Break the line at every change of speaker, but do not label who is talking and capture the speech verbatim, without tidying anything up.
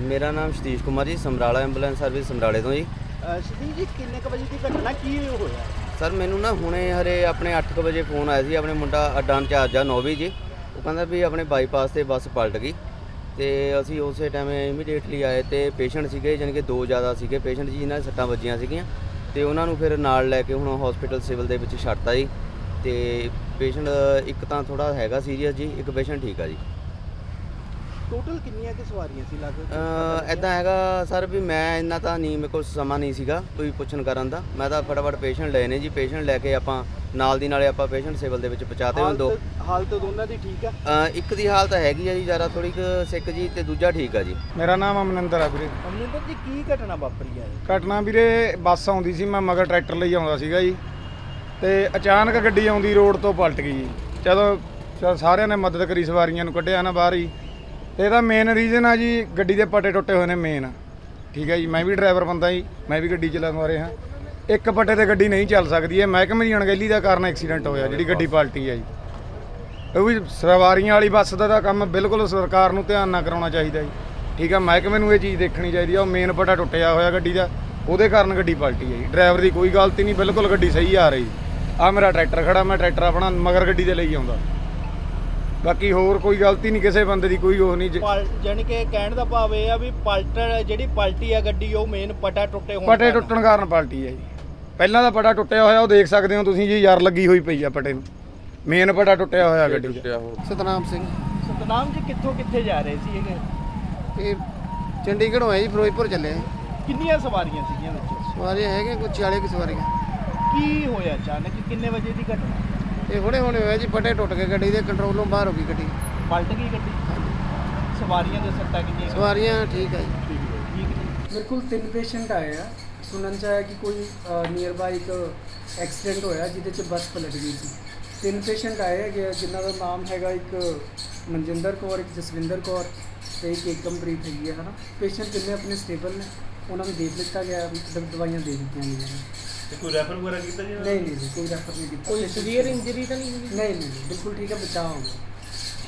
ਮੇਰਾ ਨਾਮ ਸਤੀਸ਼ ਕੁਮਾਰ ਜੀ, ਸਮਰਾਲਾ ਐਂਬੂਲੈਂਸ ਸਰਵਿਸ ਸਮਰਾਲੇ ਤੋਂ ਜੀ।
ਸਤੀਸ਼ ਜੀ, ਕਿੰਨੇ ਕੁ ਵਜੇ ਦੀ ਘਟਨਾ ਕੀ ਹੋਇਆ?
ਸਰ ਮੈਨੂੰ ਨਾ ਹੁਣੇ ਹਰੇ ਆਪਣੇ ਅੱਠ ਕੁ ਵਜੇ ਫੋਨ ਆਇਆ ਸੀ, ਆਪਣੇ ਮੁੰਡਾ ਅੱਡਾ ਇੰਚਾਰਜ ਆ ਨੌਵੀਂ ਜੀ, ਉਹ ਕਹਿੰਦਾ ਵੀ ਆਪਣੇ ਬਾਈਪਾਸ ਤੇ ਬੱਸ ਪਲਟ ਗਈ ਤੇ ਅਸੀਂ ਉਸੇ ਟਾਈਮ ਇਮੀਡੀਏਟਲੀ ਆਏ ਤੇ ਪੇਸ਼ੈਂਟ ਸੀਗੇ, ਜਾਣੀ ਕਿ ਦੋ ਜ਼ਿਆਦਾ ਸੀਗੇ ਪੇਸ਼ੈਂਟ ਜੀ, ਜਿਨ੍ਹਾਂ ਦੇ ਸੱਟਾਂ ਵੱਜੀਆਂ ਸੀਗੀਆਂ ਤੇ ਉਹਨਾਂ ਨੂੰ ਫਿਰ ਨਾਲ ਲੈ ਕੇ ਹੁਣ ਹਸਪੀਟਲ ਸਿਵਲ ਦੇ ਵਿੱਚ ਛੱਡਤਾ ਜੀ। ਤੇ ਪੇਸ਼ੈਂਟ ਇੱਕ ਤਾਂ ਥੋੜਾ ਹੈਗਾ ਸੀਰੀਅਸ ਜੀ, ਇੱਕ ਪੇਸ਼ੈਂਟ ਠੀਕ ਆ ਜੀ।
ਟੋਟਲ ਕਿੰਨੀਆਂ ਕਿ ਸਵਾਰੀਆਂ ਸੀ ਲਗਭਗ?
ਇੱਦਾਂ ਹੈਗਾ ਸਰ ਵੀ ਮੈਂ ਇੰਨਾ ਤਾਂ ਨਹੀਂ, ਮੇਰੇ ਕੋਲ ਸਮਾਂ ਨਹੀਂ ਸੀਗਾ ਕੋਈ ਪੁੱਛਣ ਕਰਨ ਦਾ, ਮੈਂ ਤਾਂ ਫਟਾਫਟ ਪੇਸ਼ੈਂਟ ਲਏ ਨੇ ਜੀ। ਪੇਸ਼ੈਂਟ ਲੈ ਕੇ ਆਪਾਂ ਨਾਲ ਦੀ ਨਾਲੇ ਆਪਾਂ ਪੇਸ਼ੈਂਟ ਸਿਵਲ ਦੇ ਵਿੱਚ ਪਹੁੰਚਾਤੇ ਹੋਏ। ਦੋ
ਹਾਲਤ ਦੋਨਾਂ ਦੀ ਠੀਕ ਆ?
ਇੱਕ ਦੀ ਹਾਲਤ ਹੈਗੀ ਆ ਜੀ ਜ਼ਿਆਦਾ ਥੋੜੀ ਕੁ ਸਿੱਕ ਜੀ, ਤੇ ਦੂਜਾ ਠੀਕ ਆ ਜੀ।
ਮੇਰਾ ਨਾਮ ਅਮਨਿੰਦਰ ਆ ਵੀਰੇ।
ਅਮਨਿੰਦਰ ਜੀ, ਕੀ ਘਟਨਾ ਵਾਪਰੀ ਆ?
ਘਟਨਾ ਵੀਰੇ, ਬੱਸ ਆਉਂਦੀ ਸੀ, ਮੈਂ ਮਗਰ ਟਰੈਕਟਰ ਲਈ ਆਉਂਦਾ ਸੀਗਾ ਜੀ, ਤੇ ਅਚਾਨਕ ਗੱਡੀ ਆਉਂਦੀ ਰੋਡ ਤੋਂ ਪਲਟ ਗਈ ਜੀ। ਜਦੋਂ ਚਲ ਸਾਰਿਆਂ ਨੇ ਮਦਦ ਕਰੀ, ਸਵਾਰੀਆਂ ਨੂੰ ਕੱਢਿਆ ਨਾ ਬਾਹਰ ਹੀ। ਤੇ ਇਹਦਾ ਮੇਨ ਰੀਜ਼ਨ ਆ ਜੀ, ਗੱਡੀ ਦੇ ਪੱਟੇ ਟੁੱਟੇ ਹੋਏ ਨੇ ਮੇਨ, ਠੀਕ ਹੈ ਜੀ। ਮੈਂ ਵੀ ਡਰਾਈਵਰ ਬੰਦਾ ਜੀ, ਮੈਂ ਵੀ ਗੱਡੀ ਚਲਾਉਣ ਰਿਹਾ। ਇੱਕ ਪੱਟੇ ਤੇ ਗੱਡੀ ਨਹੀਂ ਚੱਲ ਸਕਦੀ ਹੈ, ਮਹਿਕਮੇ ਦੀ ਅਣਗਹਿਲੀ ਦਾ ਕਾਰਨ ਐਕਸੀਡੈਂਟ ਹੋਇਆ, ਜਿਹੜੀ ਗੱਡੀ ਪਲਟੀ ਹੈ ਜੀ। ਉਹ ਵੀ ਸਵਾਰੀਆਂ ਵਾਲੀ ਬੱਸ ਦਾ ਤਾਂ ਕੰਮ ਬਿਲਕੁਲ ਸਰਕਾਰ ਨੂੰ ਧਿਆਨ ਨਾਲ ਕਰਾਉਣਾ ਚਾਹੀਦਾ ਜੀ, ਠੀਕ ਹੈ। ਮਹਿਕਮੇ ਨੂੰ ਇਹ ਚੀਜ਼ ਦੇਖਣੀ ਚਾਹੀਦੀ ਆ, ਉਹ ਮੇਨ ਪੱਟਾ ਟੁੱਟਿਆ ਹੋਇਆ ਗੱਡੀ ਦਾ, ਉਹਦੇ ਕਾਰਨ ਗੱਡੀ ਪਲਟੀ ਹੈ ਜੀ। ਡਰਾਈਵਰ ਦੀ ਕੋਈ ਗਲਤੀ ਨਹੀਂ, ਬਿਲਕੁਲ ਗੱਡੀ ਸਹੀ ਆ ਰਹੀ। ਆ ਮੇਰਾ ਟਰੈਕਟਰ ਖੜਾ, ਮੈਂ ਟਰੈਕਟਰ ਆਪਣਾ ਮਗਰ ਗੱਡੀ ਦੇ ਲਈ ਆਉਂਦਾ, ਬਾਕੀ ਹੋਰ ਕੋਈ ਗਲਤੀ ਨਹੀਂ ਕਿਸੇ ਬੰਦੇ ਦੀ, ਕੋਈ ਉਹ ਨਹੀਂ।
ਜਾਨੀ ਕਿ ਕਹਿਣ ਦਾ ਭਾਵ ਇਹ ਆ ਵੀ ਪਲਟਰ ਜਿਹੜੀ ਪਲਟੀ ਆ ਗੱਡੀ, ਉਹ ਮੇਨ ਪਟਾ ਟੁੱਟੇ ਹੋਣ
ਪਟੇ ਟੁੱਟਣ ਕਾਰਨ ਪਲਟੀ ਹੈ ਜੀ। ਪਹਿਲਾਂ ਦਾ ਪਟਾ ਟੁੱਟਿਆ ਹੋਇਆ, ਉਹ ਦੇਖ ਸਕਦੇ ਹੋ ਤੁਸੀਂ ਜੀ, ਯਾਰ ਲੱਗੀ ਹੋਈ ਪਈ ਆ ਪਟੇ ਨੂੰ, ਮੇਨ ਪਟਾ ਟੁੱਟਿਆ ਹੋਇਆ ਗੱਡੀ ਦਾ।
ਸਤਨਾਮ ਸਿੰਘ।
ਸਤਨਾਮ ਜੀ, ਕਿੱਥੋਂ ਕਿੱਥੇ ਜਾ ਰਹੇ ਸੀ ਇਹ?
ਇਹ ਚੰਡੀਗੜ੍ਹੋਂ ਆਏ ਜੀ, ਫਿਰੋਜ਼ਪੁਰ ਚੱਲੇ ਆ।
ਕਿੰਨੀਆਂ ਸਵਾਰੀਆਂ ਸੀਗੀਆਂ ਵਿੱਚ?
ਸਵਾਰੀਆਂ ਹੈਗੇ ਕੁਝ ਚਾਲੀ ਕੁ ਸਵਾਰੀਆਂ।
ਕੀ ਹੋਇਆ ਅਚਾਨਕ, ਕਿੰਨੇ ਵਜੇ ਦੀ ਘਟਨਾ?
ਇਹ ਹੁਣੇ ਹੁਣੇ ਹੋਇਆ ਜੀ, ਪਟੇ ਟੁੱਟ ਕੇ ਗੱਡੀ ਦੇ ਕੰਟਰੋਲੋਂ ਬਾਹਰ ਹੋ ਗਈ ਗੱਡੀ,
ਪਲਟ ਗਈ ਗੱਡੀ। ਸਵਾਰੀਆਂ ਦੇ ਸੱਟਾਂ ਕਿੰਨੀਆਂ?
ਸਵਾਰੀਆਂ ਠੀਕ ਆ ਜੀ।
ਠੀਕ ਹੈ।
ਮੇਰੇ ਕੋਲ ਤਿੰਨ ਪੇਸ਼ੈਂਟ ਆਏ ਆ। ਸੁਣਨ 'ਚ ਆਇਆ ਕਿ ਕੋਈ ਨੀਅਰ ਬਾਈ ਇੱਕ ਐਕਸੀਡੈਂਟ ਹੋਇਆ ਜਿਹਦੇ 'ਚ ਬੱਸ ਪਲਟ ਗਈ ਸੀ। ਤਿੰਨ ਪੇਸ਼ੈਂਟ ਆਏ ਹੈਗੇ, ਜਿਨ੍ਹਾਂ ਦਾ ਨਾਮ ਹੈਗਾ ਇੱਕ ਮਨਜਿੰਦਰ ਕੌਰ, ਇੱਕ ਜਸਵਿੰਦਰ ਕੌਰ ਤੇ ਇੱਕ ਏਕਮਪ੍ਰੀਤ ਹੈਗੀ ਹੈ, ਹੈ ਨਾ। ਪੇਸ਼ੈਂਟ ਤਿੰਨੇ ਆਪਣੇ ਸਟੇਬਲ ਨੇ, ਉਹਨਾਂ ਨੂੰ ਦੇਖ ਲਿੱਤਾ ਗਿਆ, ਦਵਾਈਆਂ ਦੇ ਦਿੱਤੀਆਂ ਗਈਆਂ ਨੇ।
ਕੋਈ ਰੈਫਰ ਵਗੈਰਾ ਕੀਤਾ ਜੀ?
ਨਹੀਂ ਨਹੀਂ ਕੋਈ ਰੈਫਰ ਨਹੀਂ ਕੀਤਾ।
ਕੋਈ ਸੀਵੀਅਰ ਇੰਜਰੀ ਤਾਂ ਨਹੀਂ ਹੋਈ?
ਨਹੀਂ ਨਹੀਂ ਬਿਲਕੁਲ ਠੀਕ ਹੈ, ਬਚਾਅ ਹੋ ਗਿਆ।